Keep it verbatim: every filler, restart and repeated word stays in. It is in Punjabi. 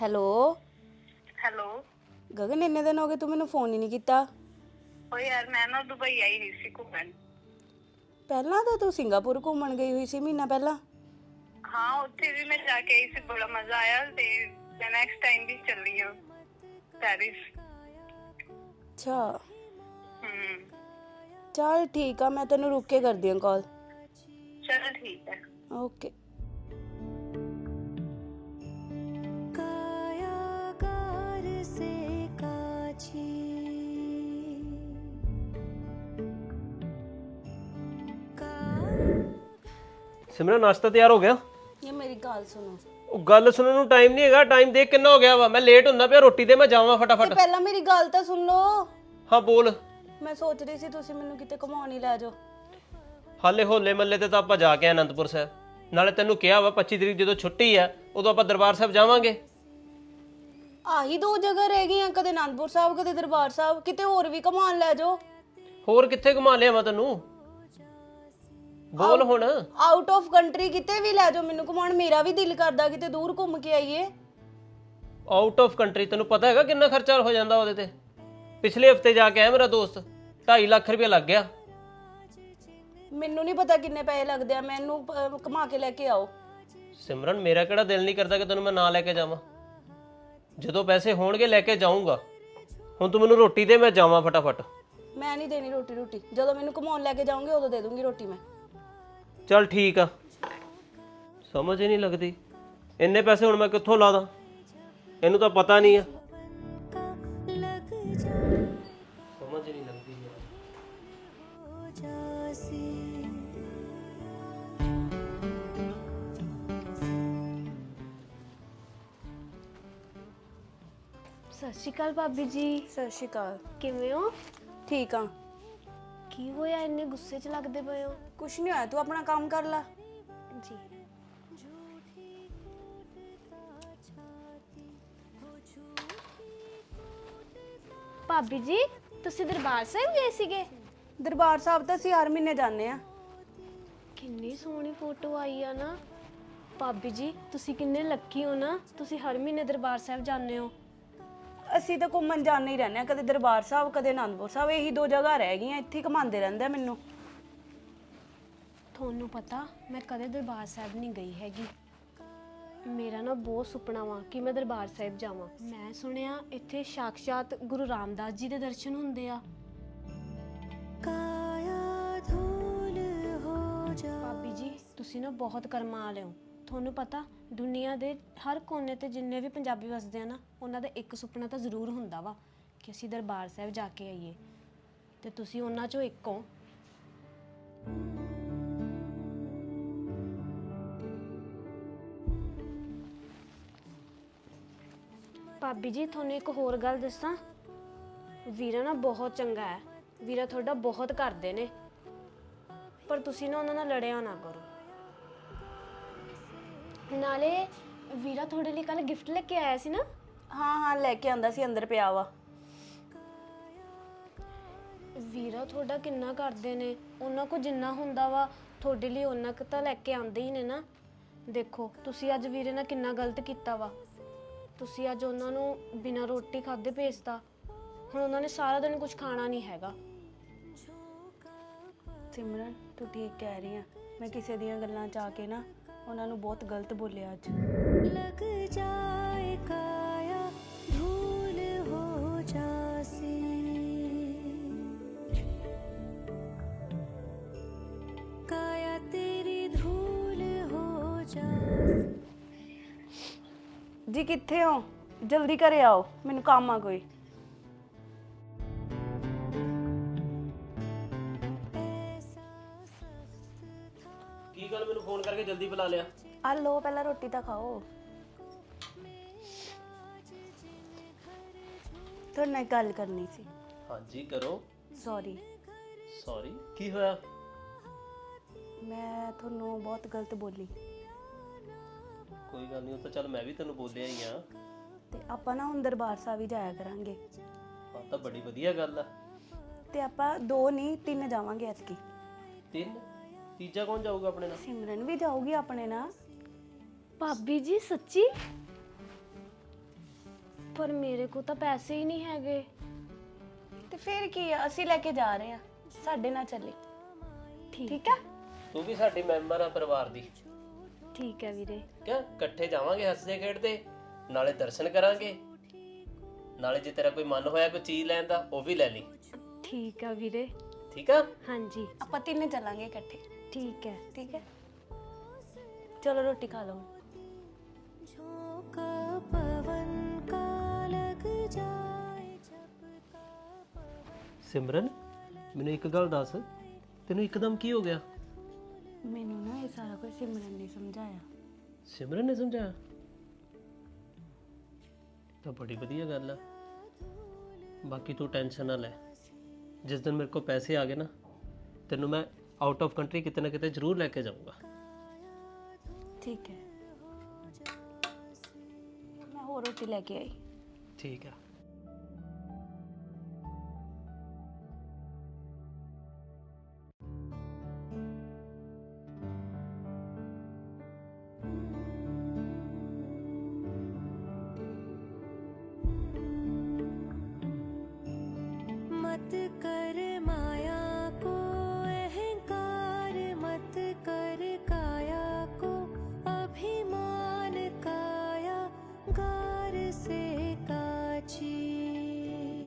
Hello hello. ਗਗਨ, ਇੰਨੇ ਦਿਨ ਹੋ ਗਏ ਤੂੰ ਮੈਨੂੰ ਫੋਨ ਹੀ ਨਹੀਂ ਕੀਤਾ। ਓ ਯਾਰ ਮੈਂ ਨਾ ਦੁਬਈ ਆਈ ਹੋਈ ਸੀ ਘੁੰਮਣ। ਪਹਿਲਾਂ ਤਾਂ ਤੂੰ ਸਿੰਗਾਪੁਰ ਘੁੰਮਣ ਗਈ ਹੋਈ ਸੀ ਮਹੀਨਾ ਪਹਿਲਾਂ। ਹਾਂ, ਉੱਥੇ ਵੀ ਮੈਂ ਜਾ ਕੇ ਆਈ ਸੀ, ਬੜਾ ਮਜ਼ਾ ਆਇਆ ਤੇ ਮੈਂ ਨੈਕਸਟ ਟਾਈਮ ਵੀ ਚੱਲੀ ਹਾਂ ਪੈਰਿਸ। ਅੱਛਾ, ਹੂੰ। ਚੱਲ ਠੀਕ ਆ, ਮੈਂ ਤੈਨੂੰ ਰੁਕ ਕੇ ਕਰਦੀ ਹਾਂ ਕਾਲ। ਚਲ ਠੀਕ ਹੈ। ਓਕੇ। ਸਿਮਰਨ, ਨਾਸ਼ਤਾ ਤਿਆਰ ਹੋ ਗਿਆ? ਇਹ ਮੇਰੀ ਗੱਲ ਸੁਣੋ। ਉਹ ਗੱਲ ਸੁਣਨ ਨੂੰ ਟਾਈਮ ਨਹੀਂ ਹੈਗਾ। ਟਾਈਮ ਦੇਖ ਕਿੰਨਾ ਹੋ ਗਿਆ ਵਾ। ਮੈਂ ਲੇਟ ਹੁੰਦਾ ਪਿਆ, ਰੋਟੀ ਦੇ ਮੈਂ ਜਾਵਾਂ ਤੇ ਫਟਾਫਟ। ਪਹਿਲਾਂ ਮੇਰੀ ਗੱਲ ਤਾਂ ਸੁਣ ਲਓ। ਹਾਂ ਬੋਲ। ਮੈਂ ਸੋਚ ਰਹੀ ਸੀ ਤੁਸੀਂ ਮੈਨੂੰ ਕਿਤੇ ਘੁਮਾਉਣ ਹੀ ਲੈ ਜਾਓ। ਹਾਲੇ ਹੋਲੇ ਮੱਲੇ ਤੇ ਤਾਂ ਆਪਾਂ ਜਾ ਕੇ ਆਏ ਅਨੰਦਪੁਰ ਸਾਹਿਬ। ਨਾਲੇ ਤੈਨੂੰ ਕਿਹਾ ਵਾ ਪੱਚੀ ਤਰੀਕ ਜਦੋਂ ਛੁੱਟੀ ਆ ਉਦੋਂ ਆਪਾਂ ਦਰਬਾਰ ਸਾਹਿਬ ਜਾਵਾਂਗੇ। ਆਹੀ ਦੋ ਜਗ੍ਹਾ ਰਹਿ ਗਈਆਂ, ਕਦੇ ਅਨੰਦਪੁਰ ਸਾਹਿਬ ਕਦੇ ਦਰਬਾਰ ਸਾਹਿਬ। ਕਿਤੇ ਹੋਰ ਵੀ ਘੁਮਾਉਣ ਲੈ ਜਾਓ। ਹੋਰ ਕਿੱਥੇ ਘੁਮਾ ਲਿਆਵਾਂ ਤੈਨੂੰ? ਬੋਲ ਹੁਣ। ਆਊਟ ਆਫ ਕੰਟਰੀ ਕਿਤੇ ਵੀ ਲੈ ਜਾਓ ਮੈਨੂੰ ਘੁਮਾਉਣ। ਮੇਰਾ ਵੀ ਦਿਲ ਕਰਦਾ ਕਿਤੇ ਦੂਰ ਘੁੰਮ ਕੇ ਆਈਏ। ਆਊਟ ਆਫ ਕੰਟਰੀ ਤੈਨੂੰ ਪਤਾ ਹੈਗਾ ਕਿੰਨਾ ਖਰਚਾ ਹੋ ਜਾਂਦਾ ਉਹਦੇ ਤੇ? ਪਿਛਲੇ ਹਫਤੇ ਜਾ ਕੇ ਆਇਆ ਮੇਰਾ ਦੋਸਤ, ਢਾਈ ਲੱਖ ਰੁਪਏ ਲੱਗ ਗਿਆ। ਮੈਨੂੰ ਨਹੀਂ ਪਤਾ ਕਿੰਨੇ ਪੈਸੇ ਲੱਗਦੇ ਆ, ਮੈਨੂੰ ਅਹ, ਘੁਮਾ ਕੇ ਲੈ ਕੇ ਆਓ। ਸਿਮਰਨ, ਮੇਰਾ ਕਿਹੜਾ ਦਿਲ ਨਹੀਂ ਕਰਦਾ ਕਿ ਤੈਨੂੰ ਮੈਂ ਨਾ ਲੈ ਕੇ ਜਾਵਾਂ। ਜਦੋਂ ਪੈਸੇ ਹੋਣਗੇ ਲੈ ਕੇ ਜਾਊਂਗਾ। ਹੁਣ ਤੂੰ ਮੈਨੂੰ ਰੋਟੀ ਦੇ, ਮੈਂ ਜਾਵਾਂ ਫਟਾਫਟ। ਮੈਂ ਨਹੀਂ ਦੇਣੀ ਰੋਟੀ ਰੋਟੀ ਜਦੋਂ ਮੈਨੂੰ ਘੁਮਾਉਣ ਲੈ ਕੇ ਜਾਓਗੇ ਉਦੋਂ ਦੇ ਦੂੰਗੀ ਰੋਟੀ ਮੈਂ। ਚੱਲ ਠੀਕ ਆ। ਸਮਝ ਹੀ ਨਹੀਂ ਲੱਗਦੀ, ਇੰਨੇ ਪੈਸੇ ਹੁਣ ਮੈਂ ਕਿੱਥੋਂ ਲਾ ਦਾਂ? ਇਹਨੂੰ ਤਾਂ ਪਤਾ ਨਹੀਂ ਆ। ਸਮਝ ਹੀ ਨਹੀਂ ਲੱਗਦੀ ਯਾਰ। ਸਤਿ ਸ਼੍ਰੀ ਅਕਾਲ ਭਾਬੀ ਜੀ। ਸਤਿ ਸ਼੍ਰੀ ਅਕਾਲ। ਕਿਵੇਂ ਹੋ? ਠੀਕ ਆ। ਕੀ ਹੋਇਆ, ਇੰਨੇ ਗੁੱਸੇ 'ਚ ਲੱਗਦੇ ਪਏ ਹੋ? ਕੁਛ ਨਹੀਂ ਹੋਇਆ, ਤੂੰ ਆਪਣਾ ਕੰਮ ਕਰ ਲੈ। ਜੀ। ਭਾਬੀ ਜੀ, ਤੁਸੀਂ ਦਰਬਾਰ ਸਾਹਿਬ ਗਏ ਸੀਗੇ? ਦਰਬਾਰ ਸਾਹਿਬ ਤਾਂ ਅਸੀਂ ਹਰ ਮਹੀਨੇ ਜਾਂਦੇ ਆ। ਕਿੰਨੀ ਸੋਹਣੀ ਫੋਟੋ ਆਈ ਆ ਨਾ। ਭਾਬੀ ਜੀ, ਤੁਸੀਂ ਕਿੰਨੇ ਲੱਕੀ ਹੋ ਨਾ, ਤੁਸੀਂ ਹਰ ਮਹੀਨੇ ਦਰਬਾਰ ਸਾਹਿਬ ਜਾਂਦੇ ਹੋ। ਅਸੀਂ ਤਾਂ ਘੁੰਮਣ ਜਾਂਦੇ ਹੀ ਰਹਿੰਦੇ ਆ, ਕਦੇ ਦਰਬਾਰ ਸਾਹਿਬ ਕਦੇ ਅਨੰਦਪੁਰ ਸਾਹਿਬ। ਇਹੀ ਦੋ ਜਗ੍ਹਾ ਰਹਿ ਗਈਆਂ, ਇੱਥੇ ਘੁਮਾਉਂਦੇ ਰਹਿੰਦੇ ਮੈਨੂੰ। ਤੁਹਾਨੂੰ ਪਤਾ, ਮੈਂ ਕਦੇ ਦਰਬਾਰ ਸਾਹਿਬ ਨਹੀਂ ਗਈ ਹੈਗੀ। ਮੇਰਾ ਨਾ ਬਹੁਤ ਸੁਪਨਾ ਵਾ ਕਿ ਮੈਂ ਦਰਬਾਰ ਸਾਹਿਬ ਜਾਵਾਂ। ਮੈਂ ਸੁਣਿਆ ਇੱਥੇ ਸਾਕਸ਼ਾਤ ਗੁਰੂ ਰਾਮਦਾਸ ਜੀ ਦੇ ਦਰਸ਼ਨ ਹੁੰਦੇ ਆ। ਭਾਬੀ ਜੀ, ਤੁਸੀਂ ਨਾ ਬਹੁਤ ਕਰਮਾਂ ਵਾਲੇ ਹੋ। ਤੁਹਾਨੂੰ ਪਤਾ, ਦੁਨੀਆ ਦੇ ਹਰ ਕੋਨੇ ਤੇ ਜਿੰਨੇ ਵੀ ਪੰਜਾਬੀ ਵਸਦੇ ਆ ਨਾ, ਉਹਨਾਂ ਦਾ ਇੱਕ ਸੁਪਨਾ ਤਾਂ ਜ਼ਰੂਰ ਹੁੰਦਾ ਵਾ ਕਿ ਅਸੀਂ ਦਰਬਾਰ ਸਾਹਿਬ ਜਾ ਕੇ ਆਈਏ, ਤੇ ਤੁਸੀਂ ਉਹਨਾਂ ਚੋਂ ਇੱਕ ਹੋ। ਭਾਬੀ ਜੀ, ਤੁਹਾਨੂੰ ਇੱਕ ਹੋਰ ਗੱਲ ਦੱਸਾਂ। ਵੀਰਾ ਨਾ ਬਹੁਤ ਚੰਗਾ ਹੈ। ਵੀਰਾ ਤੁਹਾਡਾ ਬਹੁਤ ਕਰਦੇ ਨੇ, ਪਰ ਤੁਸੀਂ ਨਾ ਉਹਨਾਂ ਨਾਲ ਲੜਿਆ ਨਾ ਕਰੋ। ਨਾਲੇ ਵੀਰਾ ਤੁਹਾਡੇ ਲਈ ਕੱਲ ਗਿਫਟ ਲੈ ਕੇ ਆਇਆ ਸੀ ਨਾ? ਹਾਂ ਹਾਂ, ਲੈ ਕੇ ਆਂਦਾ ਸੀ, ਅੰਦਰ ਪਿਆ ਵਾ। ਵੀਰਾ ਤੁਹਾਡਾ ਕਿੰਨਾ ਕਰਦੇ ਨੇ। ਉਹਨਾਂ ਕੋਲ ਜਿੰਨਾ ਹੁੰਦਾ ਵਾ ਤੁਹਾਡੇ ਲਈ ਉਹਨਾਂ ਕੁ ਤਾਂ ਲੈ ਕੇ ਆਉਂਦੇ ਹੀ ਨੇ ਨਾ। ਦੇਖੋ, ਤੁਸੀਂ ਅੱਜ ਵੀਰੇ ਨਾਲ ਕਿੰਨਾ ਗਲਤ ਕੀਤਾ ਵਾ। ਤੁਸੀਂ ਅੱਜ ਉਹਨਾਂ ਨੂੰ ਬਿਨਾਂ ਰੋਟੀ ਖਾਦੇ ਭੇਜਤਾ। ਹੁਣ ਉਹਨਾਂ ਨੇ ਸਾਰਾ ਦਿਨ ਕੁਝ ਖਾਣਾ ਨਹੀਂ ਹੈਗਾ। ਸਿਮਰਨ, ਤੂੰ ਠੀਕ ਕਹਿ ਰਹੀ ਆ। ਮੈਂ ਕਿਸੇ ਦੀਆਂ ਗੱਲਾਂ 'ਚ ਆ ਕੇ ਨਾ ਉਹਨਾਂ ਨੂੰ ਬਹੁਤ ਗਲਤ ਬੋਲਿਆ ਅੱਜ। लग जाए काया धूल हो जासी काया तेरी धूल हो जासी। ਜੀ ਕਿੱਥੇ ਹੋ? ਜਲਦੀ ਘਰੇ ਆਓ, ਮੈਨੂੰ ਕੰਮ ਆ ਕੋਈ। ਕੀ ਗੱਲ, ਮੈਨੂੰ ਫੋਨ ਕਰਕੇ ਜਲਦੀ ਬੁਲਾ ਲਿਆ? ਆ ਲੋ, ਪਹਿਲਾਂ ਰੋਟੀ ਤਾਂ ਖਾਓ। ਤੁਹਾਡੇ ਨਾਲ ਗੱਲ ਕਰਨੀ ਸੀ। ਹਾਂਜੀ ਕਰੋ। ਸੌਰੀ। ਸੌਰੀ? ਕੀ ਹੋਇਆ? ਮੈਂ ਤੁਹਾਨੂੰ ਬਹੁਤ ਗਲਤ ਬੋਲੀ। ਕੋਈ ਗੱਲ ਨਹੀਂ, ਉਹ ਤਾਂ ਚੱਲ ਮੈਂ ਵੀ ਤੈਨੂੰ ਬੋਲਿਆ ਹੀ ਆ। ਤੇ ਆਪਾਂ ਨਾ ਹੁਣ ਦਰਬਾਰ ਸਾਹਿਬ ਹੀ ਜਾਇਆ ਕਰਾਂਗੇ। ਹਾਂ ਤਾਂ ਬੜੀ ਵਧੀਆ ਗੱਲ ਆ। ਤੇ ਆਪਾਂ ਦੋ ਨਹੀਂ ਤਿੰਨ ਜਾਵਾਂਗੇ ਐਤਕੀ। ਤਿੰਨ? ਤੀਜਾ ਕੌਣ ਜਾਊਗਾ ਆਪਣੇ ਨਾਲ? ਸਿਮਰਨ ਵੀ ਜਾਊਗੀ ਆਪਣੇ ਨਾਲ। ਭਾਬੀ ਜੀ, ਸੱਚੀ? ਪਰ ਮੇਰੇ ਕੋਲ ਤਾਂ ਪੈਸੇ ਹੀ ਨਹੀਂ ਹੈਗੇ। ਤੇ ਫਿਰ ਕੀ ਆ, ਅਸੀਂ ਲੈ ਕੇ ਜਾ ਰਹੇ ਆ, ਸਾਡੇ ਨਾਲ ਚੱਲੇ। ਠੀਕ ਆ? ਤੂੰ ਵੀ ਸਾਡੀ ਮੈਂਬਰ ਆ ਪਰਿਵਾਰ ਦੀ। ਠੀਕ ਹੈ ਵੀਰੇ। ਕਿਆ ਇਕੱਠੇ ਜਾਵਾਂਗੇ ਹੱਸਦੇ ਖੇਡਦੇ, ਨਾਲੇ ਦਰਸ਼ਨ ਕਰਾਂਗੇ, ਨਾਲੇ ਜੇ ਤੇਰਾ ਕੋਈ ਮਨ ਹੋਇਆ ਕੋਈ ਚੀਜ਼ ਲੈਣ ਦਾ ਉਹ ਵੀ ਲੈ ਲਈ। ਠੀਕ ਆ ਵੀਰੇ। ਠੀਕ ਆ? ਹਾਂਜੀ ਆਪਾਂ ਤਿੰਨੇ ਚੱਲਾਂਗੇ ਇਕੱਠੇ। ਠੀਕ ਹੈ। ਠੀਕ ਹੈ, ਚਲੋ ਰੋਟੀ ਖਾ ਲਓ। झोंका पवन का लग जाए झपका पवन। ਸਿਮਰਨ, ਮੈਨੂੰ ਇੱਕ ਗੱਲ ਦੱਸ, ਤੈਨੂੰ ਇੱਕਦਮ ਕੀ ਹੋ ਗਿਆ? ਮੈਨੂੰ ਨਾ ਇਹ ਸਾਰਾ ਕੁਝ ਸਿਮਰਨ ਨੇ ਸਮਝਾਇਆ। ਸਿਮਰਨ ਨੇ ਸਮਝਾਇਆ? ਤਾਂ ਬੜੀ ਵਧੀਆ ਗੱਲ ਆ। ਬਾਕੀ ਤੂੰ ਟੈਨਸ਼ਨ ਨਾ ਲੈ, ਜਿਸ ਦਿਨ ਮੇਰੇ ਕੋਲ ਪੈਸੇ ਆ ਗਏ ਨਾ, ਤੈਨੂੰ ਮੈਂ ਆਊਟ ਆਫ ਕੰਟਰੀ ਕਿਤੇ ਨਾ ਕਿਤੇ ਜ਼ਰੂਰ ਲੈ ਕੇ ਜਾਊਂਗਾ। ਠੀਕ ਹੈ, ਮੈਂ ਹੋਰ ਰੋਟੀ ਲੈ ਕੇ ਆਈ। ਠੀਕ ਆ। मत कर